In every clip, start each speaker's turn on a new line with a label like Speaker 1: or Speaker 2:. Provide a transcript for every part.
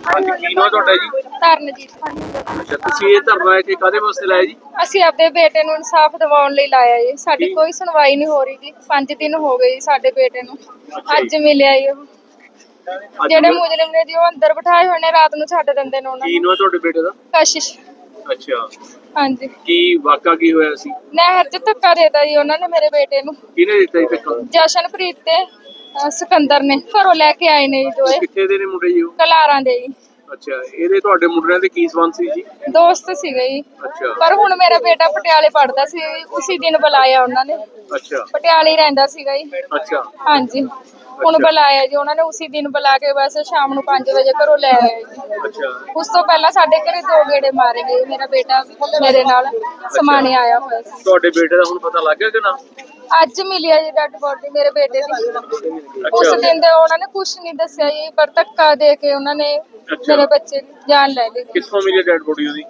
Speaker 1: ਹਾਂਜੀ ਕੀ ਨਾਮ ਤੁਹਾਡਾ ਜੀ?
Speaker 2: ਤਰਨਜੀਤ।
Speaker 1: ਅੱਛਾ ਤੁਸੀਂ ਇਹ ਧਰਨਾ ਇੱਥੇ ਕਾਹਦੇ ਵਾਸਤੇ ਲਾਇਆ ਜੀ?
Speaker 2: ਅਸੀਂ ਆਪਣੇ ਬੇਟੇ ਨੂੰ ਇਨਸਾਫ ਦਿਵਾਉਣ ਲਈ ਲਾਇਆ ਜੀ। ਸਾਡੀ
Speaker 1: ਕੀ?
Speaker 2: ਕੋਈ ਸੁਣਵਾਈ ਨਹੀਂ ਹੋ ਰਹੀ ਜੀ। 5 ਦਿਨ ਹੋ ਗਏ ਜੀ ਸਾਡੇ ਬੇਟੇ ਨੂੰ।
Speaker 1: ਅੱਛਾ
Speaker 2: ਅੱਜ
Speaker 1: ਜੀ।
Speaker 2: ਮਿਲਿਆ ਜੀ ਉਹ।
Speaker 1: ਅੱਜ
Speaker 2: ਜਿਹੜੇ ਮੁਜਰਮ ਨੇ ਜੀ ਉਹ ਅੰਦਰ ਬਿਠਾਏ ਹੋਏ ਨੇ, ਰਾਤ ਨੂੰ ਛੱਡ ਦਿੰਦੇ ਨੇ ਉਹਨਾਂ
Speaker 1: ਕੀ
Speaker 2: ਨੂੰ।
Speaker 1: ਨਾਮ ਤੁਹਾਡੇ ਬੇਟੇ ਦਾ?
Speaker 2: ਕਸ਼ਿਸ਼।
Speaker 1: ਅੱਛਾ
Speaker 2: ਹਾਂਜੀ।
Speaker 1: ਕੀ ਵਾਕਾ ਕੀ ਹੋਇਆ ਸੀ?
Speaker 2: ਨਹਿਰ 'ਚ ਧੱਕਾ ਦੇਤਾ ਜੀ ਉਹਨਾਂ ਨੇ ਮੇਰੇ ਬੇਟੇ ਨੂੰ।
Speaker 1: ਕਿਹਨੇ ਦਿੱਤਾ ਜੀ ਧੱਕਾ?
Speaker 2: ਜਸ਼ਨਪ੍ਰੀਤ ਤੇ ਸਿਕੰਦਰ ਨੇ ਘਰੋਂ ਲੈ ਕੇ ਆਏ ਨੇ ਜੀ
Speaker 1: ਉਹ
Speaker 2: ਦੋਏ।
Speaker 1: ਕਿੱਥੇ ਦੇ ਨੇ ਮੁੰਡੇ ਜੀ ਉਹ?
Speaker 2: ਕਲਾਰਾਂ ਦੇ ਜੀ।
Speaker 1: ਅੱਛਾ ਇਹਦੇ ਤੁਹਾਡੇ ਮੁੰਡਿਆਂ ਦੇ ਕੀ ਸੰਬੰਧ ਸੀ ਜੀ?
Speaker 2: ਦੋਸਤ ਸੀਗੇ ਜੀ।
Speaker 1: ਅੱਛਾ
Speaker 2: ਪਰ ਹੁਣ ਮੇਰਾ ਬੇਟਾ ਪਟਿਆਲੇ ਪੜਦਾ ਸੀ, ਉਸੇ ਦਿਨ ਬੁਲਾਇਆ ਉਹਨਾਂ ਨੇ।
Speaker 1: ਅੱਛਾ
Speaker 2: ਪਟਿਆਲੇ ਹੀ ਰਹਿੰਦਾ ਸੀਗਾ ਜੀ।
Speaker 1: ਅੱਛਾ
Speaker 2: ਹਾਂਜੀ ਹੁਣ ਬੁਲਾਇਆ ਜੀ ਉਹਨਾਂ ਨੇ, ਉਸੇ ਦਿਨ ਬੁਲਾ ਕੇ ਬਸ ਸ਼ਾਮ ਨੂੰ 5 ਵਜੇ ਘਰੋਂ ਲੈ ਆਏ ਜੀ।
Speaker 1: ਅੱਛਾ
Speaker 2: ਉਸ ਤੋਂ ਪਹਿਲਾਂ ਸਾਡੇ ਘਰੇ 2 ਗੇੜੇ ਮਾਰੇ ਗਏ। ਮੇਰਾ ਬੇਟਾ ਮੇਰੇ ਨਾਲ ਸਮਾਣੇ ਆਇਆ ਹੋਇਆ ਸੀ।
Speaker 1: ਤੁਹਾਡੇ ਬੇਟੇ ਦਾ ਹੁਣ ਪਤਾ ਲੱਗ ਗਿਆ ਕਿ ਨਾ?
Speaker 2: ਅੱਜ ਮਿਲਿਆ ਜੀ ਡੈਡ ਬੋਡੀ ਮੇਰੇ ਬੇਟੇ ਦੀ। ਉਸ
Speaker 1: ਅੱਛਾ
Speaker 2: ਦਿਨ ਦੇ ਉਹਨਾਂ ਨੇ ਕੁਝ ਨਹੀਂ ਦੱਸਿਆ ਜੀ, ਪਰ ਧੱਕਾ ਦੇ ਕੇ ਉਹਨਾਂ ਨੇ
Speaker 1: ਅੱਛਾ।
Speaker 2: ਮੇਰੇ ਬੱਚੇ ਦੀ ਜਾਨ ਲੈ ਲਈ।
Speaker 1: ਕਿੱਥੋਂ ਮਿਲੀ ਡੈਡ ਬੋਡੀ ਉਹਦੀ?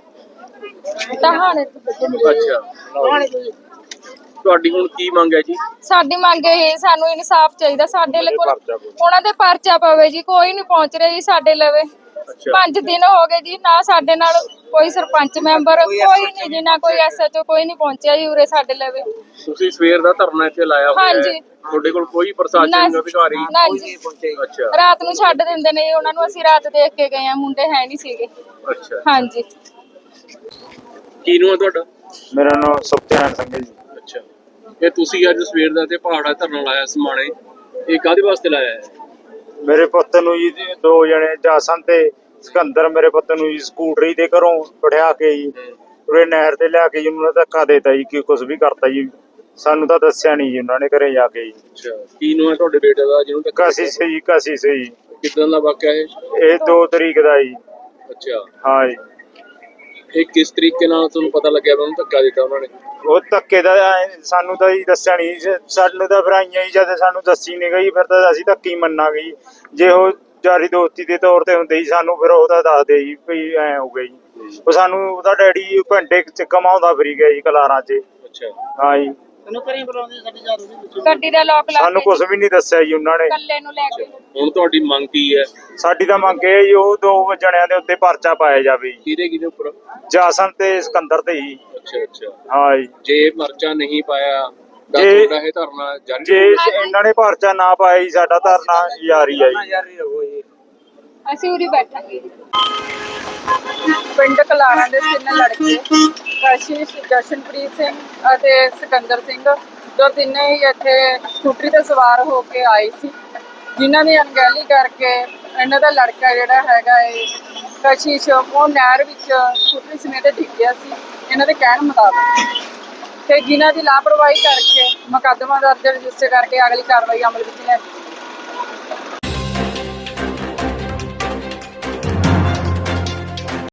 Speaker 2: ਤਹਾਣੇ
Speaker 1: ਅੱਛਾ ਤੁਹਾਡੀ ਹੁਣ ਕੀ ਮੰਗ ਹੈ ਜੀ?
Speaker 2: ਸਾਡੀ ਮੰਗ ਇਹ, ਸਾਨੂੰ ਇਨਸਾਫ ਚਾਹੀਦਾ। ਸਾਡੇ ਲਈ ਉਹਨਾਂ ਦੇ ਪਰਚਾ ਪਵੇ ਜੀ। ਕੋਈ ਨਹੀਂ ਪਹੁੰਚ ਰਿਹਾ ਜੀ ਸਾਡੇ ਲਵੇ।
Speaker 1: ਅੱਛਾ
Speaker 2: 5 ਦਿਨ ਹੋ ਗਏ ਜੀ, ਨਾ ਸਾਡੇ ਨਾਲ ਕੋਈ ਸਰਪੰਚ ਮੈਂਬਰ, ਕੋਈ ਨਹੀਂ ਜੀ, ਨਾ ਕੋਈ ਐਸਐਚਓ, ਕੋਈ ਨਹੀਂ ਪਹੁੰਚਿਆ ਜੀ ਉਰੇ ਸਾਡੇ ਲਵੇ।
Speaker 1: ਤੁਸੀਂ ਸਵੇਰ ਦਾ ਧਰਨਾ ਇੱਥੇ ਲਾਇਆ ਹੋਇਆ ਹੈ,
Speaker 2: ਹਾਂਜੀ।
Speaker 1: ਤੁਹਾਡੇ ਕੋਲ ਕੋਈ ਪ੍ਰਸ਼ਾਸਨਿਕ ਅਧਿਕਾਰੀ?
Speaker 2: ਨਾ ਜੀ।
Speaker 1: ਅੱਛਾ
Speaker 2: ਰਾਤ ਨੂੰ ਛੱਡ ਦਿੰਦੇ ਨੇ ਜੀ ਉਹਨਾਂ ਨੂੰ। ਅਸੀਂ ਰਾਤ ਦੇਖ ਕੇ ਗਏ ਆ, ਮੁੰਡੇ ਹੈ ਨਹੀਂ ਸੀਗੇ।
Speaker 1: ਅੱਛਾ
Speaker 2: ਹਾਂਜੀ।
Speaker 1: ਕੀ ਨਾਮ ਹੈ ਤੁਹਾਡਾ?
Speaker 3: ਮੇਰਾ ਨਾਮ ਸੁਖਚੈਨ ਸਿੰਘ ਹੈ ਜੀ।
Speaker 1: ਅੱਛਾ ਇਹ ਤੁਸੀਂ ਅੱਜ ਸਵੇਰ ਦਾ ਤੇ ਪਹਾੜਾ ਧਰਨਾ ਲਾਇਆ ਸਮਾਣੇ, ਇਹ ਕਾਹਦੇ ਵਾਸਤੇ ਲਾਇਆ ਹੈ?
Speaker 3: ਮੇਰੇ ਪੁੱਤ ਨੂੰ ਜੀ 2 ਜਣੇ ਜਾਸਨ ਤੇ ਸਿਕੰਦਰ, ਮੇਰੇ ਪੁੱਤ ਨੂੰ ਜੀ ਸਕੂਟਰੀ ਦੇ ਘਰੋਂ ਬਿਠਾ ਕੇ ਜੀ ਉਰੇ ਨਹਿਰ ਤੇ ਲਿਆ ਕੇ ਜੀ ਉਹਨਾਂ ਨੇ ਧੱਕਾ ਦੇਤਾ ਜੀ, ਕਿ ਕੁਝ ਵੀ ਕਰਤਾ ਜੀ। ਸਾਨੂੰ ਤਾਂ ਦੱਸਿਆ ਨਹੀਂ ਜੀ ਉਹਨਾਂ ਨੇ ਘਰੇ ਜਾ ਕੇ ਜੀ।
Speaker 1: ਅੱਛਾ ਕੀ ਨਾਮ ਹੈ ਤੁਹਾਡੇ ਬੇਟੇ ਦਾ ਜਿਹਨੂੰ ਧੱਕਾ?
Speaker 3: ਕਸ਼ਿਸ਼ ਜੀ, ਕਸ਼ਿਸ਼ ਜੀ।
Speaker 1: ਕਿੱਦਾਂ ਦਾ ਵਾਕਿਆ ਇਹ?
Speaker 3: ਇਹ 2 ਤਰੀਕ ਦਾ ਜੀ।
Speaker 1: ਅੱਛਾ
Speaker 3: ਹਾਂ ਜੀ।
Speaker 1: ਇਹ ਕਿਸ ਤਰੀਕੇ ਨਾਲ ਤੁਹਾਨੂੰ ਪਤਾ ਲੱਗਿਆ ਵੀ ਉਹਨੂੰ ਧੱਕਾ ਦਿੱਤਾ ਉਹਨਾਂ ਨੇ?
Speaker 3: ਉਹ ਧੱਕੇ ਦਾ ਸਾਨੂੰ ਤਾਂ ਜੀ ਦੱਸਿਆ ਨਹੀਂ। ਸਾਨੂੰ ਤਾਂ ਫਿਰ ਆਈਆਂ ਜੀ, ਜਦ ਸਾਨੂੰ ਦੱਸੀ ਨਹੀਂ ਗਈ ਫਿਰ ਤਾਂ ਅਸੀਂ ਧੱਕੀ ਮੰਨਾਂਗੇ ਜੀ। ਜੇ ਉਹ ਯਾਰੀ ਦੋਸਤੀ ਦੇ ਤੌਰ ਤੇ ਹੁੰਦੇ ਜੀ, ਸਾਨੂੰ ਫਿਰ ਉਹਦਾ ਦੱਸਦੇ ਜੀ ਵੀ ਐ ਹੋ ਗਿਆ ਜੀ। ਉਹ ਸਾਨੂੰ ਉਹਦਾ ਡੈਡੀ ਘੰਟੇ ਚ ਕਮਾਉਂਦਾ ਫਿਰੀ ਗਿਆ ਜੀ ਕਲਾਰਾਂ 'ਚ।
Speaker 1: ਅੱਛਾ
Speaker 3: ਹਾਂ ਜੀ।
Speaker 2: ਗੱਡੀ ਦਾ ਲੋਕ ਲਾ
Speaker 3: ਸਾਨੂੰ
Speaker 2: ਕੇ
Speaker 3: ਕੁਝ ਵੀ ਨਹੀਂ ਦੱਸਿਆ ਜੀ ਉਹਨਾਂ ਨੇ।
Speaker 2: ਇਕੱਲੇ ਨੂੰ ਲੈ ਕੇ।
Speaker 1: ਹੁਣ ਤੁਹਾਡੀ ਮੰਗ ਕੀ ਹੈ?
Speaker 3: ਸਾਡੀ ਤਾਂ ਮੰਗ ਇਹ ਜੀ, ਉਹ 2 ਜਣਿਆਂ ਦੇ ਉੱਤੇ ਪਰਚਾ ਪਾਇਆ ਜਾਵੇ ਜੀ।
Speaker 1: ਕਿਹਦੇ ਉੱਪਰ?
Speaker 3: ਜਾਸਨ ਤੇ ਸਿਕੰਦਰ ਤੇ ਜੀ।
Speaker 1: ਅੱਛਾ ਅੱਛਾ
Speaker 3: ਹਾਂ ਜੀ।
Speaker 1: ਜੇ ਪਰਚਾ ਨਹੀਂ ਪਾਇਆ ਤਾਂ
Speaker 3: ਜੇ-
Speaker 1: ਤੁਹਾਡਾ ਇਹ ਧਰਨਾ ਜਾਰੀ
Speaker 3: ਜੇ
Speaker 1: ਰਹੂਗਾ?
Speaker 3: ਇਹਨਾਂ ਨੇ ਪਰਚਾ ਨਾ ਪਾਇਆ ਜੀ, ਸਾਡਾ ਧਰਨਾ ਜਾਰੀ ਆ ਜੀ।
Speaker 2: ਅਸੀਂ ਉਰੀ ਬੈਠਾਂਗੇ। ਪਿੰਡ ਕਲਾਰਾਂ ਦੇ 3 ਲੜਕੇ ਕਸ਼ਿਸ਼, ਜਸ਼ਨਪ੍ਰੀਤ ਸਿੰਘ ਅਤੇ ਸਿਕੰਦਰ ਸਿੰਘ, ਜੋ ਤਿੰਨੇ ਹੀ ਇੱਥੇ ਸਕੂਟਰੀ ਤੇ ਸਵਾਰ ਹੋ ਕੇ ਆਏ ਸੀ, ਜਿਨ੍ਹਾਂ ਦੀ ਅਣਗਹਿਲੀ ਕਰਕੇ ਇਹਨਾਂ ਦਾ ਲੜਕਾ ਜਿਹੜਾ ਹੈਗਾ ਕਸ਼ਿਸ਼, ਉਹ ਨਹਿਰ ਵਿੱਚ ਸਕੂਟਰੀ ਸਮੇਤ ਡਿੱਗ ਗਿਆ ਸੀ ਇਹਨਾਂ ਦੇ ਕਹਿਣ ਮੁਤਾਬਕ। ਤੇ ਜਿਨ੍ਹਾਂ ਦੀ ਲਾਪਰਵਾਹੀ ਕਰਕੇ ਮੁਕੱਦਮਾ ਦਰਜ ਰਜਿਸਟਰ ਕਰਕੇ ਅਗਲੀ ਕਾਰਵਾਈ ਅਮਲ ਵਿੱਚ ਲਿਆਂਦੀ।